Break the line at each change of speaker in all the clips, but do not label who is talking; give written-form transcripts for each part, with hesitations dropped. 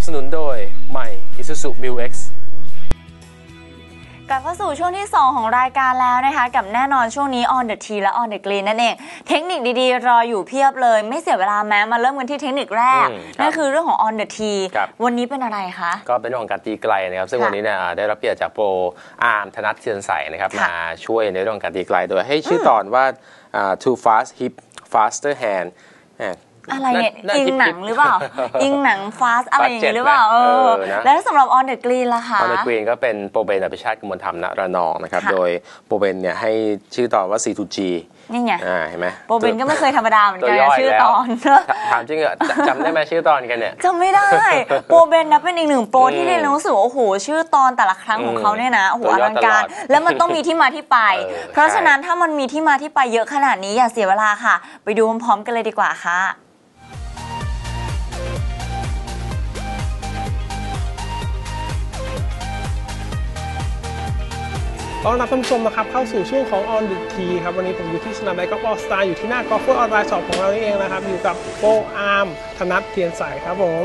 สนุนโดยใหม่ Isuzu Mu-X
กลับเข้าสู่ช่วงที่2ของรายการแล้วนะคะกับแน่นอนช่วงนี้ on the tee และ on the green นั่นเองเทคนิคดีๆรออยู่เพียบเลยไม่เสียเวลาแม้มาเริ่มกันที่เทคนิคแรกนั่นคือเรื่องของ on the tee วันนี้เป็นอะไรคะ
ก็เป็นเรื่องของการตีไกลนะครับซึ่งวันนี้เนี่ยได้รับเกียรติจากโปรอาร์มธนัทเทียนใสนะครับมาช่วยในเรื่องการตีไกลโดยให้ชื่อตอนว่า too fast hip faster hand
อะไรเนี่ยอิงหนังหรือเปล่าอิงหนังฟาสอะไรอย่างนี้หรือเปล่าแล้วสำหรับ on the green ล่ะคะ
on the green ก็เป็นโปรเบนอภิชาติกมลธรรมณระนองนะครับโดยโปรเบนเนี่ยให้ชื่อตอนว่า C2G
นี่ไง
เห็นไหม
โปรเบนก็ไม่เคยธรรมดาเหมือนกันชื่อตอน
ถามจริงเหรอจำได้ไหมชื่อตอนกันเนี่ย
จำไม่ได้โปรเบนนะเป็นอีกหนึ่งโปรที่เรียนรู้สึกโอ้โหชื่อตอนแต่ละครั้งของเขาเนี่ยนะโอ้โหอลังการแล้วมันต้องมีที่มาที่ไปเพราะฉะนั้นถ้ามันมีที่มาที่ไปเยอะขนาดนี้อย่าเสียเวลาค่ะไปดูพร้อมๆกันเลยดีกว่าค่ะ
ต้อนรับท่านผู้ชมนะครับเข้าสู่ช่วงของ On the Tee ครับวันนี้ผมอยู่ที่สนามไดกอล์ฟออลสตาร์อยู่ที่หน้ากอล์ฟเฟอร์ออนไลน์ช็อปของเรานี่เองนะครับอยู่กับโปรอาร์มธนัทเทียนใสครับผม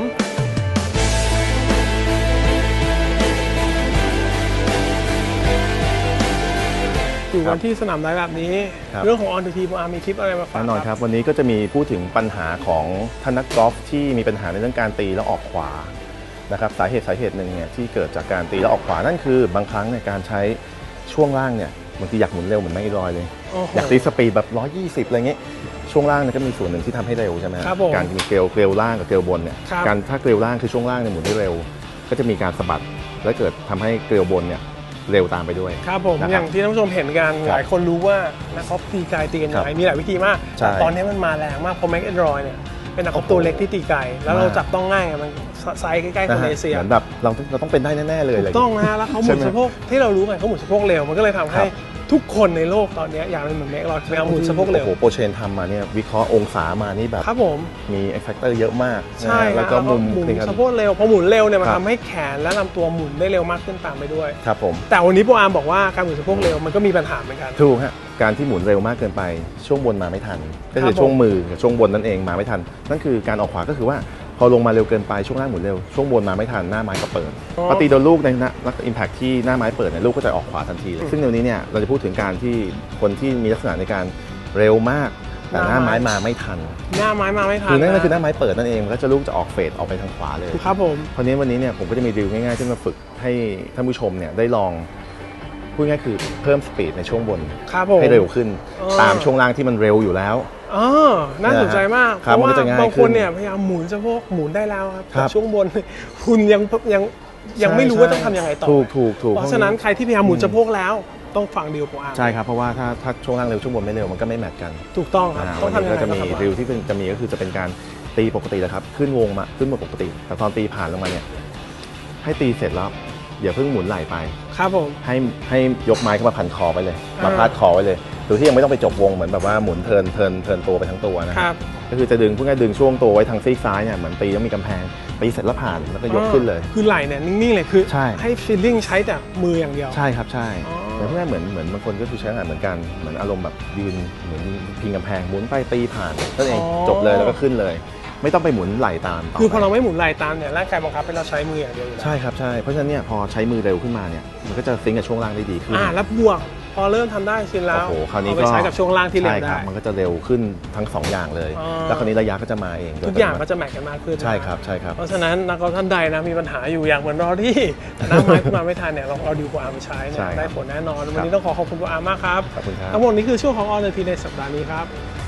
อยู่กันที่สนามไดแบบนี้เรื่องของ On the Tee โปรอาร์มมีคลิปอะไรมาฝาก
แน่นอนครับวันนี้ก็จะมีพูดถึงปัญหาของท่านนักกอล์ฟที่มีปัญหาในเรื่องการตีแล้วออกขวานะครับสาเหตุหนึ่งเนี่ยที่เกิดจากการตีแล้วออกขวานั่นคือบางครั้งในการใช้ช่วงล่างเนี่ยบางทีอยากหมุนเร็วเหมือนไม่ลอยเลยอยากตีสปีดแบบ120อะไรเงี้ยช่วงล่างเนี่ยก็มีส่วนหนึ่งที่ทำให้เร็วใช่ไหมการมีเกลียวล่างกับเกลียวบนเนี่ยการถ้าเกลียวล่างคือช่วงล่างเนี่ยหมุนได้เร็วก็จะมีการสะบัดและเกิดทำให้เกลียวบนเนี่ยเร็วตามไปด้วย
ครับผมอย่างที่ท่านผู้ชมเห็นกันหลายคนรู้ว่านักกอล์ฟตีไกลตีกันยังไงมีหลายวิธีมากแต่ตอนนี้มันมาแรงมากเพราะแม็กแอนดรอยเนี่ยเป็นนักกอล์ฟตัวเล็กที่ตีไกลแล้วเราจับต้องง่ายมันไซส์ใกล้ๆคนเอเชีย
เหมือนแบบเราต้องเป็นได้แน่ๆเลย
ถูกต้องนะแล้วเขาหมุนสะโพกที่เรารู้ไงเขาหมุนสะโพกเร็วมันก็เลยทำให้ทุกคนในโลกตอนนี้อยากเป็นเหมือนแม็กเราพยายามหมุนสะโพกเร็ว
โอ้โหโปรเชนทำมาเนี่ยวิเคราะห์องศามานี่แบบ
ครับผม
มีแฟกเตอร์เยอะมาก
ใช่
แล้วก็มุม
สะโพกเร็วพอหมุนเร็วเนี่ยมันทำให้แขนและลำตัวหมุนได้เร็วมากขึ้นตามไปด้วย
ครับผม
แต่วันนี้โปรอาร์มบอกว่าการหมุนสะโพกเร็วมันก็มีปัญหาเหมือนกัน
ถูกฮะการที่หมุนเร็วมากเกินไปช่วงบนมาไม่ทันก็คือช่วงมือกับช่วงบนนั่นเองมาไม่ทันนั่นคือการออกขวาก็คือว่าพอลงมาเร็วเกินไปช่วงล่างหมุนเร็วช่วงบนมาไม่ทันหน้าไม้ก็เปิดพอตีโดนลูกในนักอิมแพคที่หน้าไม้เปิดเนี่ยลูกก็จะออกขวาทันทีเลยซึ่งเดี๋ยวนี้เนี่ยเราจะพูดถึงการที่คนที่มีลักษณะในการเร็วมากแต่หน้าไม้มาไม่ทัน
หน้าไม้มาไม่ทัน
คือนั่นก็คือหน้าไม้เปิดนั่นเองแล้วจะลูกจะออกเฟดออกไปทางขวาเลย
ครับผม
วันนี้เนี่ยผมก็จะมีดิวง่ายๆที่มาฝึกให้ท่านผู้ชมเนี่ยได้ลองพูดง่ายคือเพิ่มสปีดในช่วงบนให้เร็วขึ้นตามช่วงล่างที่มันเร็วอยู่แล้ว
น่าสนใจมากเพราะว่าบางคนเนี่ยพยายามหมุนสะโพกหมุนได้แล้วครับแต่ช่วงบนคุณยังไม่รู้ว่าต้องทำยังไงต่อ
ถูก
เพราะฉะนั้นใครที่พยายามหมุนสะโพกแล้วต้องฟังดิวโปรอาร์ม
ใช่ครับเพราะว่าถ้าช่วงล่างเร็วช่วงบนไม่เร็วมันก็ไม่แมทกัน
ถูกต้องครับ
ต้องทำยังไงก็จะมีดิวที่จะมีก็คือจะเป็นการตีปกติแล้วครับขึ้นวงมาขึ้นหมดปกติแต่ตอนตีผ่านลงมาเนี่ยให้ตีเสร็จแล้วอย่าเพิ่งหมุนไหล่ไป
ครับผม
ให้ยกไม้ขึ้นมาพันคอไปเลยมาพาดคอไว้เลยโดยที่ยังไม่ต้องไปจบวงเหมือนแบบว่าหมุนเทินตัวไปทั้งตัวนะครับก็คือจะดึงพูดง่ายดึงช่วงตัวไว้ทางซีกซ้ายเนี่ยเหมือนตีต้องมีกำแพงตีเสร็จแล้วผ่านแล้วก็ยกขึ้นเลย
คือไหล่เนี่ยนิ่งๆเลยคือให้ฟีลลิ่งใช้แต่มืออย่างเดียว
ใช่ครับใช่แต่พูดง่ายเหมือนบางคนก็คือใช้งานเหมือนกันเหมือนอารมณ์แบบยืนเหมือนพิงกำแพงหมุนไปตีผ่านนั่นเองจบเลยแล้วก็ขึ้นเลยไม่ต้องไปหมุนไหล่ตาม
คือพอเราไม่หมุนไหล่ตามเนี่ยร่างกายบังคับให้เราใช้มืออย่างเดียว
ใช่ครับใช่เพราะฉะนั้นเนี่ยพอใช้มือเร็วขึ้นมาเนี่ยมันก็จะซิงกับช่วงล่างได้ดีขึ้น
แล้วบวกพอเริ่มทำได้ชินแล้ว
โอ้โหคราวนี้
ก็ใช้กับช่วงล่างที่เร็วได้
มันก็จะเร็วขึ้นทั้ง2อย่างเลยแล้วคราวนี้ระยะก็จะมาเอง
ทุกอย่างก็จะแมทกันมากขึ้น
ใช่ครับใช่ครับ
เพราะฉะนั้นนักกอล์ฟท่านใดนะมีปัญหาอยู่อย่างเหมือนรอที่น้ำไม้ขึ้นมาไม่ทันเนี่ยเราเอาดิวโปรอาร์มไปใช้เนี่ยได้ผลแน่นอนวันนี้ต้องขอบคุณโปรอาร์มมากครับ
ขอบคุณครับ
ทั้งหมดนี้คือช่วงของ On the Tee ในสัปดาห์นี้ครับ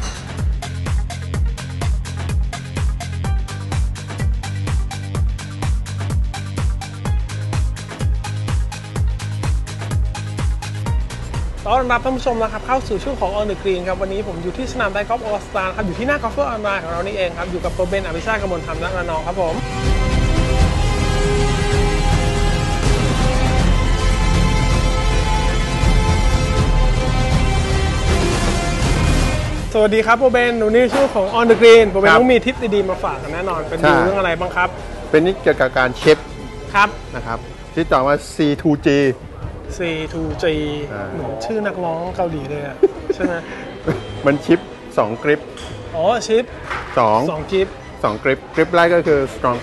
ต้อนรับท่านผู้ชมนะครับเข้าสู่ช่วงของ On the Green ครับวันนี้ผมอยู่ที่สนามไดกอล์ฟออลสตาร์ครับอยู่ที่หน้ากอล์ฟเฟอร์ออนไลน์ของเรานี่เองครับอยู่กับโปรเบนอภิชาติกมลธรรมณระนองครับผมสวัสดีครับโปรเบนวันนี้ช่วงของ On the Green โปรเบนต้องมีทิปดีๆมาฝากกันแน่นอนเป็นดูเรื่องอะไรบ้างครับ
เป็นนี่เกี่ยวกับการเช็ค
ครับ
นะครับที่ต่อว่า C2G
C2G เหมือนชื่อนักร้องเกาหลีเลยอ่ะใช่ไหม
มันชิป2กริป
ชิป2กริป
2กริปแรกก็คือ strong grip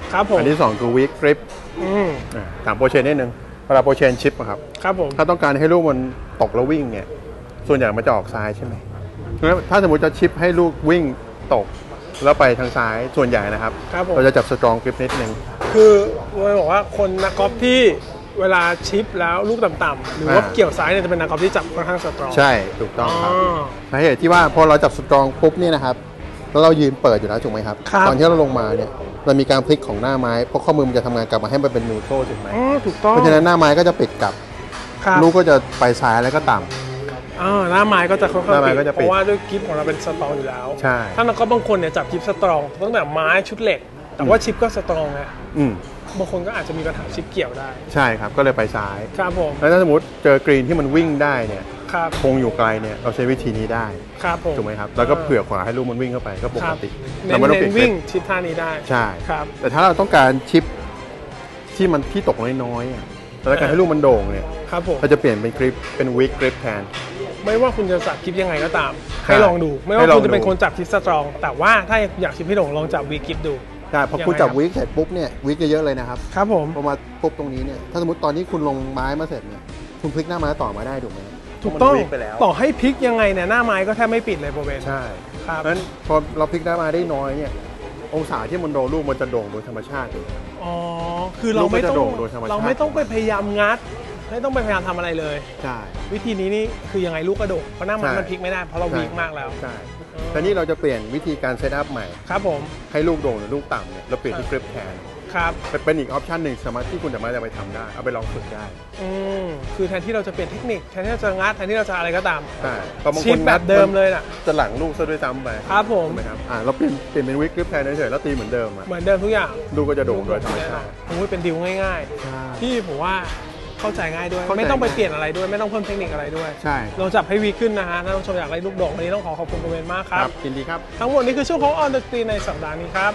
ครับผม
อันที่2คือวิกกริป ถามโปรเชนนิดนึงเวลาโปรเชนชิปอะครับ
ครับผม
ถ้าต้องการให้ลูกมันตกแล้ววิ่งเนี่ยส่วนใหญ่มันจะออกซ้ายใช่ไหมงั้นถ้าสมมติจะชิปให้ลูกวิ่งตกแล้วไปทางซ้ายส่วนใหญ่นะครับ
ครับผม
เราจะจับสตรองกริปนิดนึง
คือเราบอกว่าคนนักกอล์ฟที่เวลาชิปแล้วลูกต่ำๆหรือว่าเกี่ยวซ้ายเนี่ยจะเป็นนักกอล์ฟที่จับค่อนข้างสตรอง
ใช่ถูกต้องครับ
อ๋อ
สาเหตุที่ว่าพอเราจับสตรองปุ๊บเนี่ยนะครับแล้วเรายืนเปิดอยู่แล้วถูกไหมครับ
ครับ
ตอนที่เราลงมาเนี่ยเรามีการพลิกของหน้าไม้เพราะข้อมือมันจะทำงานกลับมาให้มันเป็นนิวโตรถูกไหม
อ๋อถูกต้อง
เพราะฉะนั้นหน้าไม้ก็จะปิดกลับ
ครับ
ลูกก็จะไปซ้ายแล้วก็ต่ำ
หน้าไม้ก็จะค่อย
หน้าไม้
ๆ
ก็
ปิด
จะ
เพ
ปิด
ราะว่าด้วยกิฟของเราเป็นสตรองอยู่แล้ว
ใช่
ถ้านักกอล์ฟบางคนเนี่ยจับกิฟสตรองตั้งแต่ไม้ชุดเหล็ก แต่ว่าชิปก็สตรองไง
อืม
บางคนก็อาจจะมีปัญหาชิปเกี่ยวได้
ใช่ครับก็เลยไปซ้าย
ครับผม
แล้วถ้าสมมติเจอกรีนที่มันวิ่งได้เนี่ย
ครับ
คงอยู่ไกลเนี่ยเราใช้วิธีนี้ได้
ครับผม
ถูกไหมครับแล้วก็เผื่อขวาให้ลูกมันวิ่งเข้าไปก็ป
ค
ก
รับ
ติ
เน้
เรา
น
ไม่ต้องเปลี่
เน้
ย
น
น
วิ่งชิปท่านี้ได้
ใช่
ครับ
แต่ถ้าเราต้องการชิปที่มันที่ตกน้อยๆอะแล้วการให้ลูกมันโด่งเนี่ย
ครับผม
เราจะเปลี่ยนเป็นกริปเป็นวิกกริปแทน
ไม่ว่าคุณจะจับกิฟยังไงก็ตาม
ใช่
ให้ลองดู ไม่ว่า
ให้ลอง
คุณจะเป็น
ดู
คนจับกิฟสตรอง แต่ว่าถ้าอยากชิปให้โด่งลองจับวีกิฟดู
ใช่พอคุณ
ยังไง
จับ
ครับ
วิกเสร็จปุ๊บเนี่ยวิกเยอะๆเลยนะครับ
ครับผม
พอมาปุ๊บตรงนี้เนี่ยถ้าสมมติตอนที่คุณลงไม้มาเสร็จเนี่ยคุณพลิกหน้าไม้ต่อมาได้ถูกไหม
ถูกต้อง
มันวิกไปแล้ว
ต่อให้พลิกยังไงเนี่ยหน้าไม้ก็แทบไม่ปิดเลยโปรเบน
ใช่
ครับ
เพราะฉะนั้นพอเราพลิกหน้าไม้ได้น้อยเนี่ยองศาที่มันโดนลูกมันจะโด่งโดยธรรมชาติ
อ๋อคือเราไม่ต้อง
ลูกก็จะโด่งโดยธรรมชาติ
เราไม่ต้องไปพยายามงัดไม่ต้องไปพยายามทำอะไรเลย
ใช่
วิธีนี้นี่คือยังไงลูกกระโดดเพราะหน้าไม้
ใช่
มันพลิกไม่ได้เพราะเราวีกมากแล้ว
ใช่แต่นี่เราจะเปลี่ยนวิธีการเซตอัพใหม่
ครับผม
ให้ลูกโด่งหรือลูกต่ำเนี่ยเราเปลี่ยนที่กริปแทน
ครับ
เป็นอีกออปชันหนึ่งสามารถที่คุณสามารถจะไปทำได้เอาไปลองฝึกได้
คือแทนที่เราจะเปลี่ยนเทคนิคแทนที่เราจะงัดแทนที่เราจะอะไรก็ตาม
ใช่เพราะบาง
ชิ
ค
ป
น
แบบเดิมเลยน่ะ
จะหลังลูกซะด้วยซ้ำไป
ครับผม
ถูกไหมครับเราเปลี่ยนเป็นวิกกริปแทนเฉยๆแล้วตีเหมือนเดิมอะ
เหมือนเดิมทุกอย่าง
ลูกก็จะโด่งโดยธรรมชาติ
โอ้ยเป็นดิวง่าย
ใช่
ๆ ที่ผมว่าเข้าใจง่ายด้วย
เข้าใจ
ไม่ต้องไป
ง่าย
เปลี่ยนอะไรด้วย ไม่ต้องเพิ่มเทคนิคอะไรด้วย
ใช่
เราจับให้วีขึ้นนะฮะถ้าท่านผู้ชมอยากได้ลูกโด่งวันนี้ต้องขอบคุณโปรเบนมากครับ
ยินดีครับ
ทั้งหมดนี้คือช่วงของ On the Green ในสัปดาห์นี้ครับ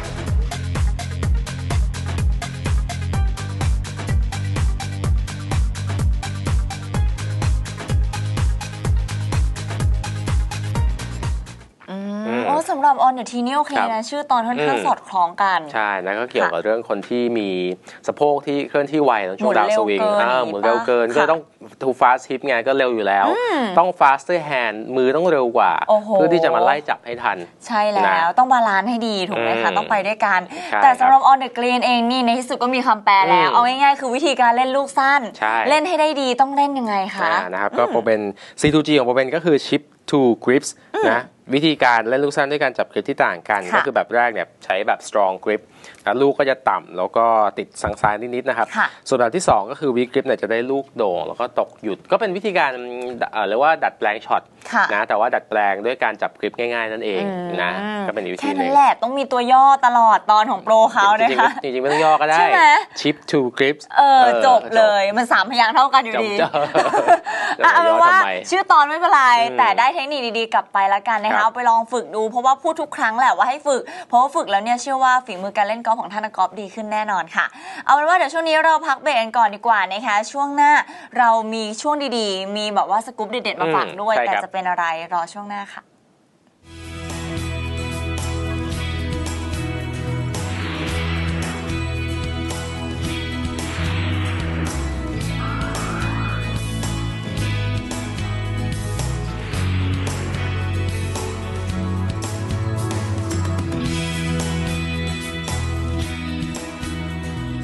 โอ้สำหรับ On the Tee นี่โอเค
ครับ
นะชื่อตอนค่อนข้างสอดคล้องกัน
ใช่นั่นก็เกี่ยวกับเรื่องคนที่มีสะโพกที่เคลื่อนที่ไวในช่วงดาวสวิง
หมุนเร็วเกิน
หมุนเร็วเกินก็ต้อง too fast hip ไงก็เร็วอยู่แล้ว ต้อง faster hand มือต้องเร็วกว่า
โอ้โห
เพื่อที่จะมาไล่จับให้ทัน
ใช่แล้วต้องบาลานซ์ให้ดีถูกไหมคะ ต้องไปด้วยกัน
ใช่
แต่สำหรับ On the Green เองนี่ในที่สุดก็มีคำแปลแล้ว เอาง่ายๆคือวิธีการเล่นลูกสั้น
ใช่
เล่นให้ได้ดีต้องเล่นยังไงคะ
นะครับก็โปรเป็น C2G ของโปรเป็นก็คือ chip to grips นะวิธีการเล่นลูกสั้นด้วยการจับกริปที่ต่างกัน
ค่ะ
ก็คือแบบแรกเนี่ยใช้แบบ strong grip นะลูกก็จะต่ำแล้วก็ติดสังซ้ายนิดๆนะครับ
ค่ะ
ส่วนแบบที่ 2 ก็คือ weak grip เนี่ยจะได้ลูกโด่งแล้วก็ตกหยุดก็เป็นวิธีการเรียกว่าดัดแปลงช็อต
ค่ะ
นะแต่ว่าดัดแปลงด้วยการจับกริปง่ายๆนั่นเองนะก็เป็นอีกวิธี
แค่
ห
นั้
นึ่
น
ง
แหละต้องมีตัวย่อตลอดตอนของโปรเขา
จ
นะ
ริง
คะ
ๆจริงๆไม่ต้องย่อก็ได้
ใช่ไหม
chip to grips
จบเลยมัน3พยางค์เท่ากันอยู่ดี
จบ
เอาเป็นว่า
ทำไม
ชื่อตอนไม่เป็นไร แต่ได้เทคนิคดีๆกลับไปแล้วกันนะ
ครั
คะ
บ
เอาไปลองฝึกดูเพราะว่าพูดทุกครั้งแหละว่าให้ฝึก เพราะว่าฝึกแล้วเนี่ยเชื่อว่าฝีมือการเล่นกอล์ฟของท่านนักกอล์ฟดีขึ้นแน่นอนค่ะ เอาเป็นว่าเดี๋ยวช่วงนี้เราพักเบรกกันก่อนดีกว่านะคะช่วงหน้าเรามีช่วงดีๆ มีแบบว่าสกู๊ปเด็ดๆมาฝากด้วย
ใช่
แต่
ครับ
จะเป็นอะไรรอช่วงหน้าค่ะ